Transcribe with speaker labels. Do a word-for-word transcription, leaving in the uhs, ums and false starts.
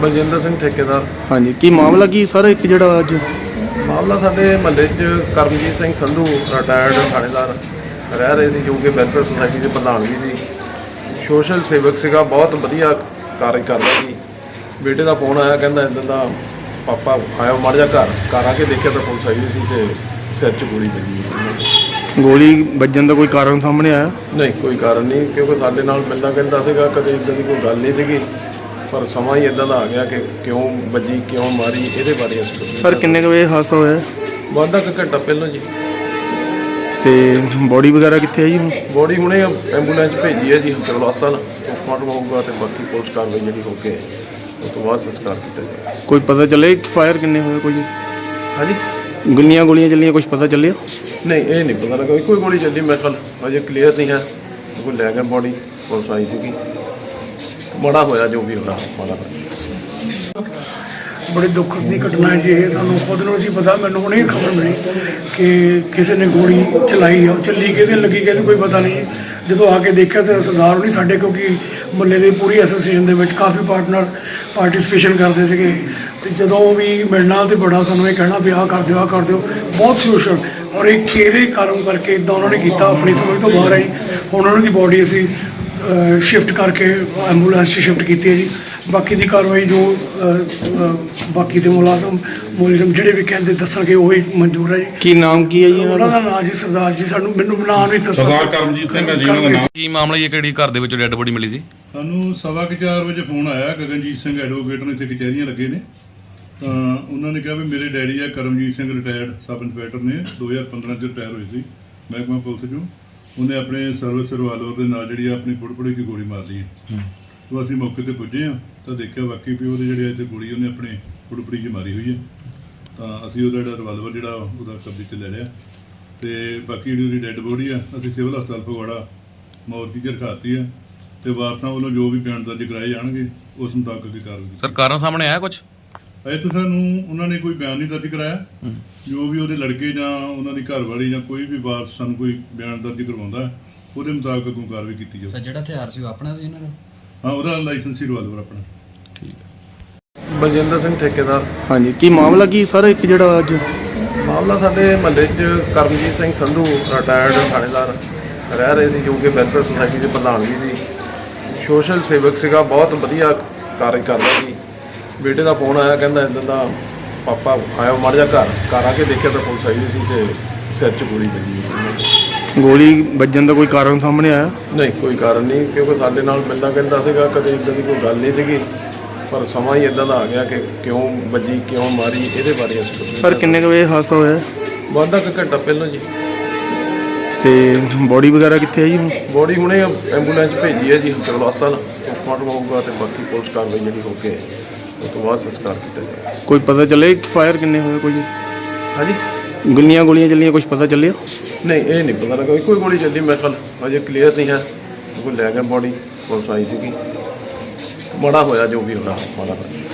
Speaker 1: ਬਲਜਿੰਦਰ ਸਿੰਘ ਠੇਕੇਦਾਰ।
Speaker 2: ਹਾਂਜੀ, ਕੀ ਮਾਮਲਾ ਕੀ ਸਰ ਇੱਕ ਜਿਹੜਾ ਅੱਜ
Speaker 1: ਮਾਮਲਾ ਸਾਡੇ ਮਹੱਲੇ 'ਚ ਕਰਮਜੀਤ ਸਿੰਘ ਸੰਧੂ ਰਿਟਾਇਰਡ ਥਾਣੇਦਾਰ ਰਹਿ ਰਹੇ ਸੀ, ਜੋ ਕਿ ਵੈਲਫੇਅਰ ਸੁਸਾਇਟੀ ਦੇ ਪ੍ਰਧਾਨ ਵੀ ਸੀ, ਸੋਸ਼ਲ ਸੇਵਕ ਸੀਗਾ, ਬਹੁਤ ਵਧੀਆ ਕਾਰਜ ਕਰਦਾ ਸੀ। ਬੇਟੇ ਦਾ ਫੋਨ ਆਇਆ, ਕਹਿੰਦਾ ਇੱਦਾਂ ਦਾ ਪਾਪਾ ਆਇਆ ਮਾੜਾ ਜਿਹਾ ਘਰ ਘਰ ਆ ਕੇ ਦੇਖਿਆ ਤਾਂ ਪੁਲਿਸ ਆਈ ਸੀ ਤੇ ਸਿਰ 'ਚ ਗੋਲੀ ਵੱਜੀ ਸੀ।
Speaker 2: ਗੋਲੀ ਵੱਜਣ ਦਾ ਕੋਈ ਕਾਰਨ ਸਾਹਮਣੇ ਆਇਆ?
Speaker 1: ਨਹੀਂ, ਕੋਈ ਕਾਰਨ ਨਹੀਂ, ਕਿਉਂਕਿ ਸਾਡੇ ਨਾਲ ਮਿਲਦਾ ਕਹਿੰਦਾ ਸੀਗਾ, ਕਦੇ ਇੱਦਾਂ ਦੀ ਕੋਈ ਗੱਲ ਨਹੀਂ ਸੀਗੀ, ਪਰ ਸਮਾਂ ਹੀ ਇੱਦਾਂ ਦਾ ਆ ਗਿਆ ਕਿ ਕਿਉਂ ਵੱਜੀ, ਕਿਉਂ ਮਾਰੀ, ਇਹਦੇ ਬਾਰੇ ਅਸੀਂ
Speaker 2: ਸਰ ਕਿੰਨੇ ਕੁ ਵਜੇ ਹਾਦਸਾ ਹੋਇਆ?
Speaker 1: ਵਾਧਾ ਕੁ ਘੰਟਾ ਪਹਿਲਾਂ ਜੀ।
Speaker 2: ਤੇ ਬੋਡੀ ਵਗੈਰਾ ਕਿੱਥੇ ਹੈ ਜੀ ਹੁਣ?
Speaker 1: ਬੋਡੀ ਹੁਣੇ ਐਂਬੂਲੈਂਸ ਭੇਜੀ ਹੈ ਜੀ ਹਸਪਤਾਲ, ਪੋਸਟਮਾਰਟਮ ਹੋਊਗਾ ਤੇ ਬਾਕੀ ਪੁਲਿਸ ਕਾਰਵਾਈ ਜਿਹੜੀ ਹੋ ਕੇ ਉਸ ਤੋਂ ਬਾਅਦ ਸੰਸਕਾਰ ਕੀਤਾ ਜਾਏਗਾ।
Speaker 2: ਕੋਈ ਪਤਾ ਚੱਲੇ ਫਾਇਰ ਕਿੰਨੇ ਹੋਏ? ਕੋਈ
Speaker 1: ਹਾਂਜੀ,
Speaker 2: ਗੁੱਲੀਆਂ ਗੋਲੀਆਂ ਚੱਲੀਆਂ, ਕੁਝ ਪਤਾ ਚੱਲਿਆ?
Speaker 1: ਨਹੀਂ, ਇਹ ਨਹੀਂ ਪਤਾ ਲੱਗਾ, ਕੋਈ ਗੋਲੀ ਚੱਲੀ ਮੇਰੇ ਖਿਆਲ, ਅਜੇ ਕਲੀਅਰ ਨਹੀਂ ਹੈ। ਕੋਈ ਲੈ ਗਿਆ ਬੋਡੀ, ਪੁਲਿਸ ਆਈ ਸੀਗੀ, ਮਾੜਾ ਹੋਇਆ ਜੋ ਵੀ ਹੋਇਆ, ਮਾੜਾ ਹੋਇਆ।
Speaker 3: ਬੜੇ ਦੁੱਖ ਦੀ ਘਟਨਾ ਹੈ ਜੀ ਇਹ, ਸਾਨੂੰ ਖੁਦ ਨੂੰ ਨਹੀਂ ਪਤਾ। ਮੈਨੂੰ ਹੁਣੇ ਖਬਰ ਮਿਲੀ ਕਿ ਕਿਸੇ ਨੇ ਗੋਲੀ ਚਲਾਈ ਆ, ਉਹ ਚੱਲੀ ਕਿਹਦੇ ਲੱਗੀ ਕਿਹਦੇ ਕੋਈ ਪਤਾ ਨਹੀਂ। ਜਦੋਂ ਆ ਕੇ ਦੇਖਿਆ ਤਾਂ ਸਰਦਾਰ ਨਹੀਂ ਸਾਡੇ, ਕਿਉਂਕਿ ਮੁਹੱਲੇ ਦੇ ਪੂਰੀ ਐਸੋਸੀਏਸ਼ਨ ਦੇ ਵਿੱਚ ਕਾਫੀ ਪਾਰਟਨਰ ਪਾਰਟਿਸਿਪੇਸ਼ਨ ਕਰਦੇ ਸੀਗੇ, ਤੇ ਜਦੋਂ ਵੀ ਮਿਲਣਾ ਤੇ ਬੜਾ ਸਾਨੂੰ ਇਹ ਕਹਿਣਾ ਵੀ ਆਹ ਕਰ ਦਿਓ, ਆਹ ਕਰ ਦਿਓ, ਬਹੁਤ ਸੋਸ਼ਲ। ਔਰ ਇਹ ਕਿਹੜੇ ਕਾਰਨ ਕਰਕੇ ਇੱਦਾਂ ਉਹਨਾਂ ਨੇ ਕੀਤਾ, ਆਪਣੀ ਸਮਝ ਤੋਂ ਬਾਹਰ ਆਈ। ਹੁਣ ਉਹਨਾਂ ਦੀ ਬੋਡੀ ਅਸੀਂ ਸ਼ਿਫਟ ਕਰਕੇ ਐਂਬੂਲੈਂਸ 'ਚ ਸ਼ਿਫਟ ਕੀਤੀ ਹੈ ਜੀ। ਬਾਕੀ ਦੀ ਕਾਰਵਾਈ ਜੋ ਬਾਕੀ ਦੇ ਮੁਲਾਜ਼ਮ ਮੁਲਾਜ਼ਮ ਜਿਹੜੇ ਵੀ ਕਹਿੰਦੇ ਦੱਸਣਗੇ ਉਹੀ ਮਨਜ਼ੂਰ ਹੈ ਜੀ।
Speaker 2: ਕੀ ਨਾਮ ਕੀ ਹੈ ਜੀ
Speaker 3: ਉਹਨਾਂ ਦਾ ਨਾਮ ਜੀ ਸਰਦਾਰ ਜੀ, ਸਾਨੂੰ ਮੈਨੂੰ ਨਾਮ ਨਹੀਂ
Speaker 4: ਸਰਦਾਰ ਕਰਮਜੀਤ ਸਿੰਘ ਹੈ ਜੀ ਉਹਨਾਂ ਦਾ ਨਾਮ।
Speaker 5: ਕੀ ਮਾਮਲਾ ਜੀ, ਕਿਹੜੀ ਘਰ ਦੇ ਵਿੱਚ ਡੈੱਡ ਬੋਡੀ ਮਿਲੀ ਸੀ?
Speaker 4: ਸਾਨੂੰ ਸਵਾ ਕੁ ਚਾਰ ਵਜੇ ਫੋਨ ਆਇਆ, ਗਗਨਜੀਤ ਸਿੰਘ ਐਡਵੋਕੇਟ ਨੇ ਇੱਥੇ ਕਚਹਿਰੀਆਂ ਲੱਗੇ ਨੇ, ਤਾਂ ਉਹਨਾਂ ਨੇ ਕਿਹਾ ਵੀ ਮੇਰੇ ਡੈਡੀ ਆ Karamjit Singh retired sub inspector ਨੇ, ਦੋ ਹਜ਼ਾਰ ਪੰਦਰਾਂ 'ਚ ਰਿਟਾਇਰ ਹੋਏ ਸੀ ਮਹਿਕਮਾ ਪੁਲਿਸ 'ਚੋਂ। ਉਹਨੇ ਆਪਣੇ ਸਰਵਿਸ ਰਿਵਾਲਵਰ ਦੇ ਨਾਲ ਜਿਹੜੀ ਆਪਣੀ ਫੁੱਟਪੜੀ ਦੀ ਗੋਲੀ ਮਾਰ ਲਈ ਹੈ। ਤਾਂ ਅਸੀਂ ਮੌਕੇ ਤੇ ਪੁੱਜੇ ਹਾਂ ਤਾਂ ਦੇਖਿਆ ਵਾਕਈ ਵੀ ਉਹਦੇ ਜਿਹੜੇ ਇੱਥੇ ਗੋਲੀ ਉਹਨੇ ਆਪਣੇ ਫੁੱਟਪੜੀ 'ਚ ਮਾਰੀ ਹੋਈ ਹੈ। ਤਾਂ ਅਸੀਂ ਉਹਦਾ ਜਿਹੜਾ ਰਿਵਾਲਵਰ ਜਿਹੜਾ ਉਹਦਾ ਕਬਜ਼ੇ 'ਚ ਲੈ ਲਿਆ, ਤੇ ਬਾਕੀ ਜਿਹੜੀ ਉਹਦੀ ਡੈੱਡ ਬੋਡੀ ਆ ਅਸੀਂ ਸਿਵਲ ਹਸਪਤਾਲ ਫਗਵਾੜਾ ਮੌਰਚੀ 'ਚ ਰਖਾਤੀ ਆ, ਤੇ ਵਾਰਸਾਂ ਵੱਲੋਂ ਜੋ ਵੀ ਬਿਆਨ ਦਰਜ ਕਰਾਏ ਜਾਣਗੇ ਉਸ ਮੁਤਾਬਕ ਦੀ ਕਾਰਵਾਈ।
Speaker 5: ਸਰ ਕਾਰਨ ਸਾਹਮਣੇ ਆਇਆ ਕੁਝ?
Speaker 4: ਅਜੇ ਤਾਂ ਸਾਨੂੰ ਉਹਨਾਂ ਨੇ ਕੋਈ ਬਿਆਨ ਨਹੀਂ ਦਰਜ ਕਰਾਇਆ। ਜੋ ਵੀ ਉਹਦੇ ਲੜਕੇ ਜਾਂ ਉਹਨਾਂ ਦੀ ਘਰਵਾਲੀ ਜਾਂ ਕੋਈ ਵੀ ਵਾਰਸ ਸਾਨੂੰ ਕੋਈ ਬਿਆਨ ਦਰਜ ਕਰਵਾਉਂਦਾ, ਉਹਦੇ ਮੁਤਾਬਕ ਅੱਗੋਂ ਕਾਰਵਾਈ ਕੀਤੀ ਜਾਊ।
Speaker 6: ਸਰ ਜਿਹੜਾ ਹਥਿਆਰ ਸੀ ਉਹ ਆਪਣਾ ਸੀ ਇਹਨਾਂ ਦਾ?
Speaker 4: ਹਾਂ, ਉਹਦਾ ਲਾਇਸੈਂਸੀ ਰਿਵਾਲਵਰ ਆਪਣਾ।
Speaker 5: ਠੀਕ ਹੈ।
Speaker 1: ਬਲਜਿੰਦਰ ਸਿੰਘ ਠੇਕੇਦਾਰ।
Speaker 2: ਹਾਂਜੀ, ਕੀ ਮਾਮਲਾ ਕੀ ਸਰ ਇੱਕ ਜਿਹੜਾ ਅੱਜ
Speaker 1: ਮਾਮਲਾ ਸਾਡੇ ਮਹੱਲੇ 'ਚ ਕਰਮਜੀਤ ਸਿੰਘ ਸੰਧੂ ਰਿਟਾਇਰਡ ਥਾਣੇਦਾਰ ਰਹਿ ਰਹੇ ਸੀ, ਜੋ ਕਿ ਵੈਲਫੇਅਰ ਸੁਸਾਇਟੀ ਦੇ ਪ੍ਰਧਾਨ ਵੀ ਸੀ, ਸੋਸ਼ਲ ਸੇਵਕ ਸੀਗਾ, ਬਹੁਤ ਵਧੀਆ ਕਾਰਜ ਕਰਦਾ ਸੀ। ਬੇਟੇ ਦਾ ਫੋਨ ਆਇਆ, ਕਹਿੰਦਾ ਇੱਦਾਂ ਦਾ ਪਾਪਾ ਆਇਆ ਮਾੜਾ ਜਿਹਾ ਘਰ ਘਰ ਆ ਕੇ ਦੇਖਿਆ ਤਾਂ ਪੁਲਿਸ ਆਈ ਸੀ ਤੇ ਸਿਰ 'ਚ ਗੋਲੀ ਵੱਜੀ ਸੀ।
Speaker 2: ਗੋਲੀ ਵੱਜਣ ਦਾ ਕੋਈ ਕਾਰਨ ਸਾਹਮਣੇ ਆਇਆ?
Speaker 1: ਨਹੀਂ, ਕੋਈ ਕਾਰਨ ਨਹੀਂ, ਕਿਉਂਕਿ ਸਾਡੇ ਨਾਲ ਮਿਲਦਾ ਕਹਿੰਦਾ ਸੀਗਾ, ਕਦੇ ਇੱਦਾਂ ਦੀ ਕੋਈ ਗੱਲ ਨਹੀਂ ਸੀਗੀ, ਪਰ ਸਮਾਂ ਹੀ ਇੱਦਾਂ ਦਾ ਆ ਗਿਆ ਕਿ ਕਿਉਂ ਵੱਜੀ, ਕਿਉਂ ਮਾਰੀ, ਇਹਦੇ ਬਾਰੇ ਅਸੀਂ
Speaker 2: ਸਰ ਕਿੰਨੇ ਕੁ ਵਜੇ ਹਾਦਸਾ ਹੋਇਆ?
Speaker 1: ਵਾਧਾ ਕੁ ਘੰਟਾ ਪਹਿਲਾਂ ਜੀ।
Speaker 2: ਤੇ ਬੋਡੀ ਵਗੈਰਾ ਕਿੱਥੇ ਹੈ ਜੀ ਹੁਣ?
Speaker 1: ਬੋਡੀ ਹੁਣੇ ਐਂਬੂਲੈਂਸ ਭੇਜੀ ਹੈ ਜੀ ਹਸਪਤਾਲ, ਪੋਸਟਮਾਰਟਮ ਹੋਊਗਾ ਤੇ ਬਾਕੀ ਪੁਲਿਸ ਕਾਰਵਾਈ ਜਿਹੜੀ ਹੋ ਕੇ ਉਸ ਤੋਂ ਬਾਅਦ ਸੰਸਕਾਰ ਕੀਤਾ ਜਾਏਗਾ।
Speaker 2: ਕੋਈ ਪਤਾ ਚੱਲੇ ਫਾਇਰ ਕਿੰਨੇ ਹੋਏ? ਕੋਈ
Speaker 1: ਹਾਂਜੀ,
Speaker 2: ਗੁੱਲੀਆਂ ਗੋਲੀਆਂ ਚੱਲੀਆਂ, ਕੁਝ ਪਤਾ ਚੱਲਿਆ?
Speaker 1: ਨਹੀਂ, ਇਹ ਨਹੀਂ ਪਤਾ ਲੱਗਾ, ਕੋਈ ਗੋਲੀ ਚੱਲੀ ਮੇਰੇ ਖਿਆਲ, ਅਜੇ ਕਲੀਅਰ ਨਹੀਂ ਹੈ। ਕੋਈ ਲੈ ਗਿਆ ਬੋਡੀ, ਪੁਲਿਸ ਆਈ ਸੀਗੀ, ਮਾੜਾ ਹੋਇਆ ਜੋ ਵੀ ਹੋਇਆ, ਮਾੜਾ ਹੋਇਆ।